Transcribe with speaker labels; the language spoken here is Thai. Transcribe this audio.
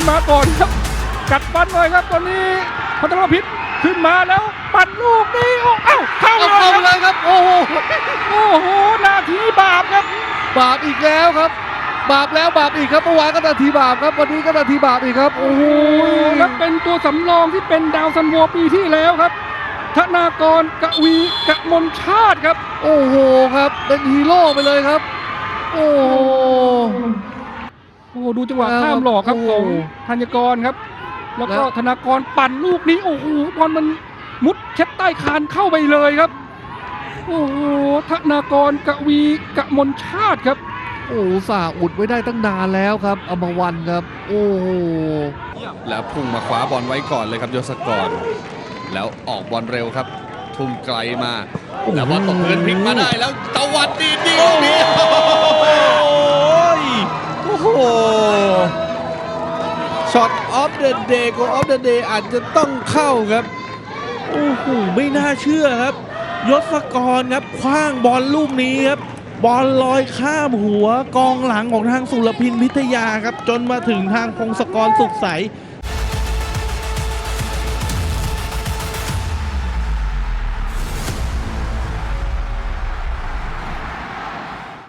Speaker 1: มาก่อนครับกัดฟันเลยครับตอนนี้พัทรพิษขึ้นมาแล้วปั่นลูกนี้เอ้าเข้า
Speaker 2: เลยครับโอ้โห
Speaker 1: นาทีบาปครับ
Speaker 2: บาปอีกแล้วครับบาปแล้วบาปอีกครับเมื่อวานก็นาทีบาปครับวันนี้ก็นาทีบาปอีกครับโอ้โห
Speaker 1: แล้วเป็นตัวสำรองที่เป็นดาวซันโวปีที่แล้วครับธนากรกวีกมลชาติครับ
Speaker 2: โอ้โหครับเป็นฮีโร่ไปเลยครับโอ้
Speaker 1: โหดูจังหวะข้ามหลอกครับของธัญกรครับแล้วก็ธนากรปั่นลูกนี้โอ้โหบอลมันมุดแคบใต้คานเข้าไปเลยครับโอ้โหธนากรกวีกมลชาติครับ
Speaker 2: โอ้สาอุดไว้ได้ตั้งนานแล้วครับอมรวันครับโอ้โห
Speaker 3: แล้วพุ่งมาคว้าบอลไว้ก่อนเลยครับยศกรแล้วออกบอลเร็วครับทุ่มไกลมาแล้วบอลตกพื้นพลิกมาได้แล้วตวัดดีลูกนี้
Speaker 4: โอ้โหช็อตออฟเดอะเดย์ของออฟเดอะเดย์อาจจะต้องเข้าครับโอ้โหไม่น่าเชื่อครับยศกรครับคว้างบอลลูกนี้ครับบอลลอยข้ามหัวกองหลังของทางสุรพินพิทยาครับจนมาถึงทางพงศกรสุขใส